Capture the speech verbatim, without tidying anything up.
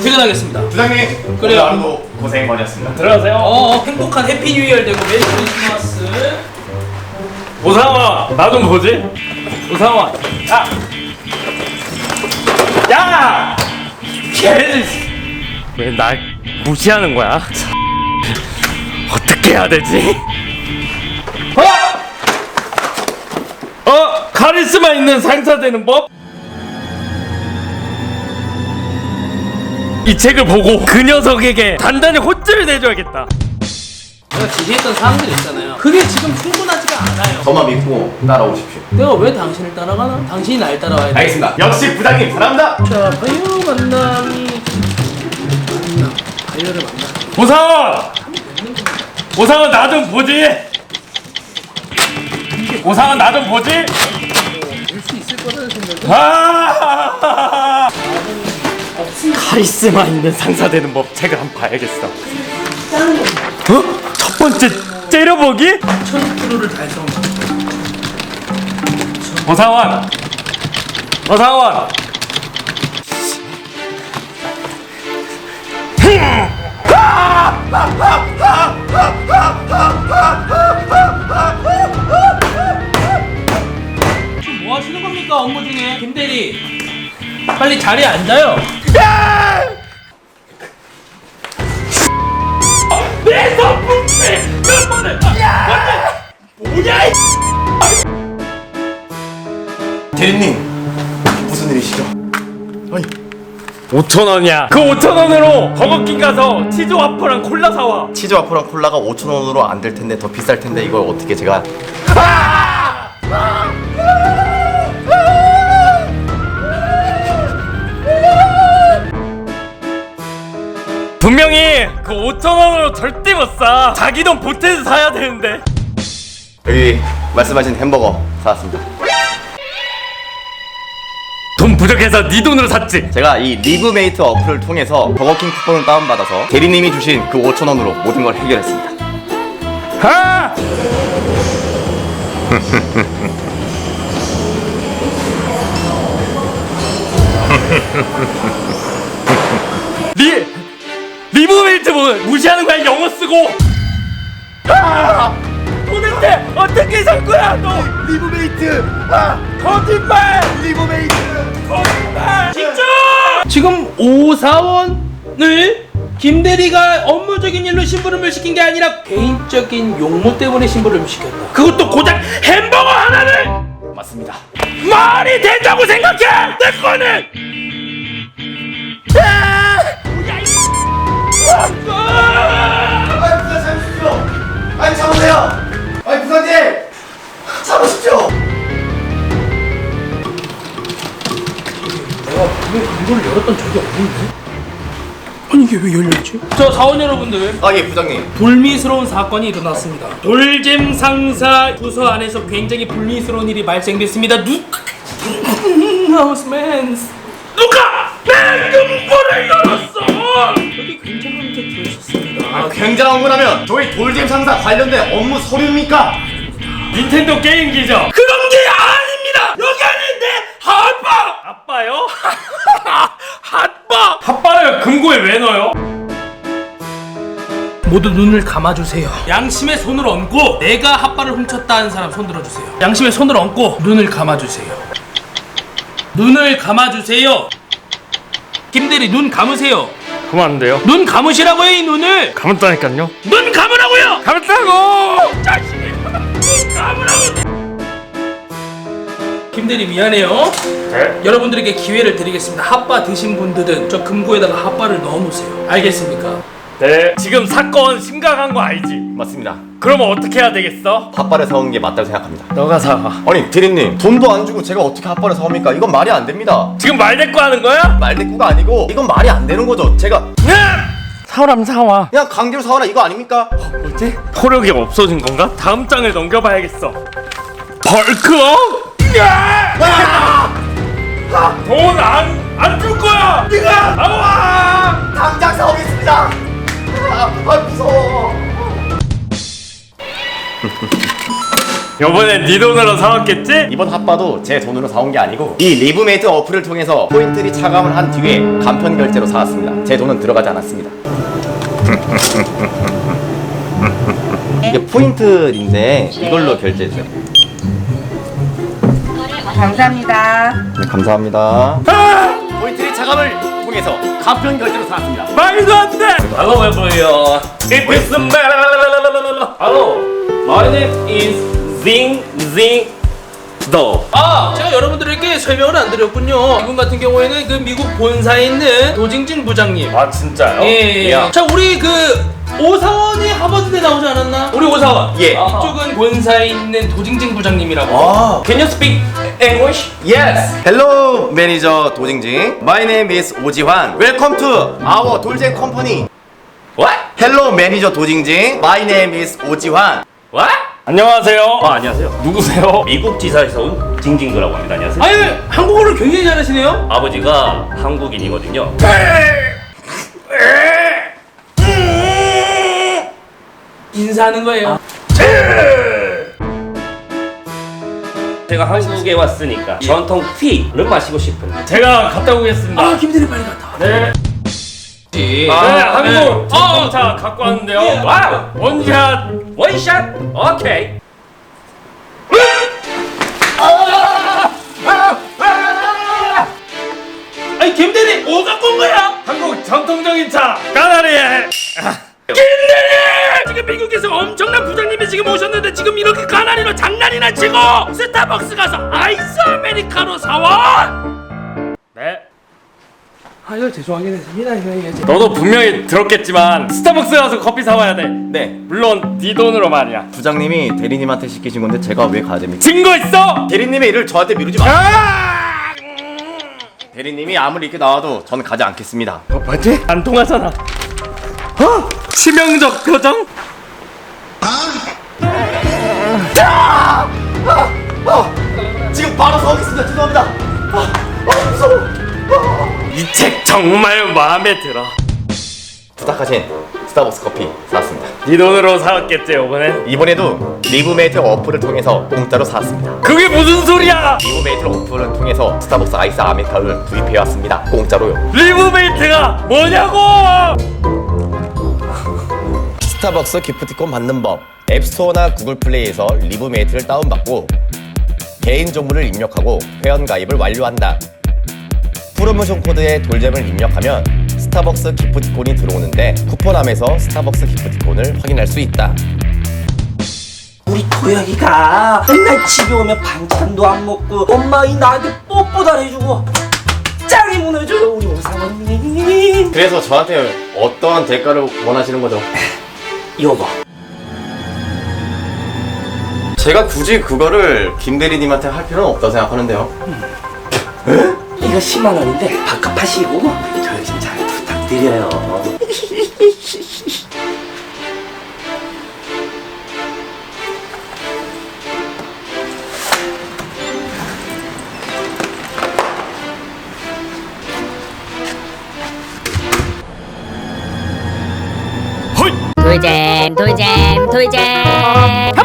퇴근하겠습니다. 부장님, 그래요. 오늘 하루도 고생 많으셨습니다. 들어가세요. 어, 어 행복한 해피 뉴 이어 되고 메리 크리스마스. 오상원 나 좀 보지. 오상원 야! 야! 왜 날 무시하는 거야? 어떻게 해야 되지? 어? 어? 카리스마 있는 상사 되는 법? 이 책을 보고 그 녀석에게 단단히 호쭐을 내줘야겠다. 내가 지시했던 사항들 있잖아요. 그게 지금 충분하지가 않아요. 저만 믿고 따라오십시오. 내가 왜 당신을 따라가나? 당신이 날 따라와야 돼. 알겠습니다. 역시 부장님 사랑합니다. 자, 바이오 만남이 만남. 바이오를 만나. 오상원! 오상원 나 좀 보지? 오상원 나 좀 보지? 볼 수 있을 거라는 생각은 아! 카리스마 있는 상사 되는 법 책을 한번 봐야겠어. 어? 첫 번째 째려보기? 천 프로를 달성. 오상원! 오상원! 지금 뭐 하시는 겁니까? 업무 중에 김대리 빨리 자리에 앉아요. 내 선풍기 몇 번을 뭐냐 이 대리님, 무슨 일이시죠? 아니, 오천 원이야. 그 오천 원으로 버거킹 가서 치즈 와퍼랑 콜라 사와. 치즈 와퍼랑 콜라가 오천 원으로 안 될 텐데 더 비쌀 텐데 이걸 어떻게 제가 분명히 그 오천 원으로 절대 못 사. 자기 돈 보태서 사야 되는데. 여기 말씀하신 햄버거 사왔습니다. 돈 부족해서 네 돈으로 샀지. 제가 이 리브메이트 어플을 통해서 버거킹 쿠폰을 다운받아서 대리님이 주신 그 오천 원으로 모든 걸 해결했습니다. 하! 리 리브메이트 뭐 무시하는 거야? 영어 쓰고. 아! 도대체 어떻게 살 거야 너? 리브메이트! 아! 거짓말! 리브메이트! 거짓말! 진짜! 지금 오사원을 김대리가 업무적인 일로 심부름을 시킨 게 아니라 개인적인 용무 때문에 심부름을 시켰다. 그것도 고작 햄버거 하나를! 맞습니다. 말이 된다고 생각해! 내 거는! 아! 뭐야, 이 아니 부산 참으십시오. 아니 참으세요. 아니 부산님 참으십시오. 내가 분명 이걸 열었던 적이 없는데? 아니 이게 왜 열렸지? 저 사원 여러분들, 아 예 부장님. 불미스러운 사건이 일어났습니다. 돌잼 상사 부서 안에서 굉장히 불미스러운 일이 발생됐습니다. 누... 하우스맨 누가 내 금고를 열었어! 여기 굉장한 문제 들으셨습니다. 아, 굉장한 거라면 저희 돌잼 상사 관련된 업무 서류입니까? 닌텐도 게임기죠? 그런 게 아닙니다! 여기 안에 내 핫바! 아빠요? 핫바! 핫바를 금고에 왜 넣어요? 모두 눈을 감아주세요. 양심의 손을 얹고 내가 핫바를 훔쳤다 하는 사람 손 들어주세요. 양심의 손을 얹고 눈을 감아주세요. 눈을 감아주세요. 김대리 눈 감으세요. 그만 안 돼요? 눈 감으시라고요. 이 눈을 감았다니까요? 눈 감으라고요. 감았다고! 자식이 눈 감으라고. 김대리 미안해요. 네? 여러분들에게 기회를 드리겠습니다. 핫바 드신 분들은 저 금고에다가 핫바를 넣어놓으세요. 알겠습니까? 네. 지금 사건 심각한 거 알지? 맞습니다. 그러면 어떻게 해야 되겠어? 핫바를 사온 게 맞다고 생각합니다. 너가 사. 아니 대리님 돈도 안 주고 제가 어떻게 핫바를 사옵니까? 이건 말이 안 됩니다. 지금 말대꾸 하는 거야? 말대꾸가 아니고 이건 말이 안 되는 거죠. 제가 사람 사와. 그냥 강제로 사와라 이거 아닙니까? 뭐지? 포력이 없어진 건가? 다음 장을 넘겨봐야겠어. 벌크업? 돈 안 안 줄 거야. 네가 나와. 당장 사오겠습니다. 아, 아 무서워. 요번엔 네 돈으로 사왔겠지? 이번 핫바도 제 돈으로 사온 게 아니고 이 리브메이트 어플을 통해서 포인트리 차감을 한 뒤에 간편 결제로 사왔습니다. 제 돈은 들어가지 않았습니다. 이게 포인트인데 이걸로 결제해주세요. 감사합니다. 네, 감사합니다. 아! 포인트리 차감을 통해서 간편 결제로 사왔습니다. 말도 안 돼! Hello everyone. It is the Hello. My name is Zing Zing Do. 아, 제가 여러분들에게 설명을 안 드렸군요. 이분 같은 경우에는 그 미국 본사에 있는 도징진 부장님. 아 진짜요? 예, 예. 야. 자, 우리 그 오사원이 하버드대 나오지 않았나? 우리 오사원. 예. 이쪽은 본사에 있는 도징진 부장님이라고. 아, Can you speak English? yes. Hello, 매니저 도징징. My name is 오지환. Welcome to our 돌쟁 컴퍼니. What? Hello, 매니저 도징징. My name is 오지환. What? 안녕하세요. 아 안녕하세요. 누구세요? 미국 지사에서 온 징징그라고 합니다. 안녕하세요. 아니, 한국어를 굉장히 잘하시네요. 아버지가 한국인이거든요. 인사하는 거예요. 제가 한국에 왔으니까 전통 티를 마시고 싶은데. 제가 갔다 오겠습니다. 아, 김대리 빨리 갔다. 네. 네. 아, 네, 한국 아, 전통차 갖고 왔는데요. 예. 와우. 원샷. 원샷. 오케이. 아니, 김대리 뭐 갖고 온 거야? 한국 전통적인 차. 까나리에. 김대리! 지금 미국에서 엄청난 부장님이 지금 오셨는데 지금 이렇게 가난이로 장난이나 치고 스타벅스 가서 아이스 아메리카노 사와? 네. 아유, 죄송하긴 했습니다. 이거 이게 너도 분명히 들었겠지만 스타벅스 가서 커피 사와야 돼. 네. 물론 네 돈으로 말이야. 부장님이 대리님한테 시키신 건데 제가 왜 가야 됩니까? 증거 있어? 대리님의 일을 저한테 미루지 마. 아! 대리님이 아무리 이렇게 나와도 저는 가지 않겠습니다. 어, 뭐지? 안 통하잖아. 어? 치명적 표정? 지금 바로 서겠습니다. 죄송합니다. 아, 아, 무서워. 이 책 정말 마음에 들어. 부탁하신 스타벅스 커피 사왔습니다. 네 돈으로 사왔겠지 이번엔? 이번에도 리브메이트 어플을 통해서 공짜로 사왔습니다. 그게 무슨 소리야? 리브메이트 어플을 통해서 스타벅스 아이스 아메리카노를 구입해왔습니다. 공짜로요. 리브메이트가 뭐냐고! 스타벅스 기프티콘 받는 법. 앱스토어나 구글 플레이에서 리브메이트를 다운받고 개인 정보를 입력하고 회원 가입을 완료한다. 프로모션 코드에 돌잼을 입력하면 스타벅스 기프티콘이 들어오는데 쿠폰함에서 스타벅스 기프티콘을 확인할 수 있다. 우리 도영이가 맨날 집에 오면 반찬도 안 먹고 엄마이 나한테 뽀뽀도 안 해주고 짱이 무너져요 우리 오사원님. 그래서 저한테 어떤 대가를 원하시는 거죠? 요거 제가 굳이 그거를 김 대리님한테 할 필요는 없다고 생각하는데요. 이거 십만 원인데 밥값하시고 도영이 좀 잘 부탁드려요. 돌잼 돌잼 돌잼